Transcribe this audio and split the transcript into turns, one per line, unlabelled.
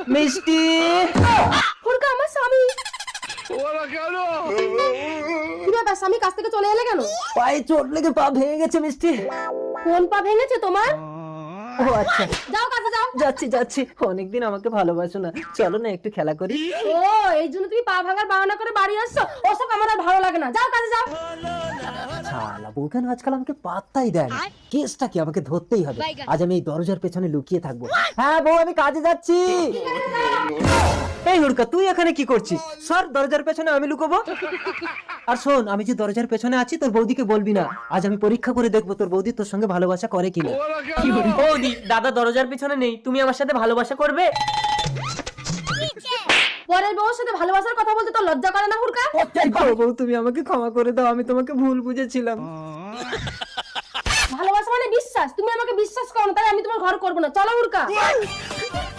মিষ্টি।
হুড়কা আমার স্বামী। কি ব্যাপার স্বামী কাছ থেকে চলে এলে কেন?
পায়ে চোট লেগে পা ভেঙে গেছে মিষ্টি।
কোন পা ভেঙেছে তোমার?
ও আচ্ছা,
যাও কাজে যাও।
যাচ্ছি যাচ্ছি। অনেকদিন আমাকে ভালোবাসো না, চলো না একটু খেলা করি।
ও এই জন্য তুমি পা ভাঙার বাহানা করে বাড়ি আসছো? ওসব আমার আর ভালো লাগে না, যাও কাজে যাও।
শালা বউ কেন আজকাল আমাকে পাত্তাই দেয় না। কেসটা কি, আমাকে ধরতেই হবে। আজ আমি এই দরজার পেছনে লুকিয়ে থাকবো। হ্যাঁ বউ, আমি কাজে যাচ্ছি। এই হুড়কা, তুই এখানে কি করছিস? সর, দরজার পেছনে আমি লুকোবো। আর শোন, আমি যে দরজার পেছনে আছি তোর বৌদিকে বলবি না। আজ আমি পরীক্ষা করে দেখবো তোর বৌদি তোর সঙ্গে ভালোবাসা করে কিনা।
বৌদি, দাদা দরজার পিছনে নেই, তুমি আমার সাথে ভালোবাসা করবে?
পরের বউর সাথে ভালোবাসার কথা বলতে তো লজ্জা করে না হুড়কা?
বউ, তুমি আমাকে ক্ষমা করে দাও, আমি তোমাকে ভুল বুঝেছিলাম।
ভালোবাসা মানে বিশ্বাস, তুমি আমাকে বিশ্বাস করো না, তাই আমি তোমার ঘর করবো না। চলো হুড়কা।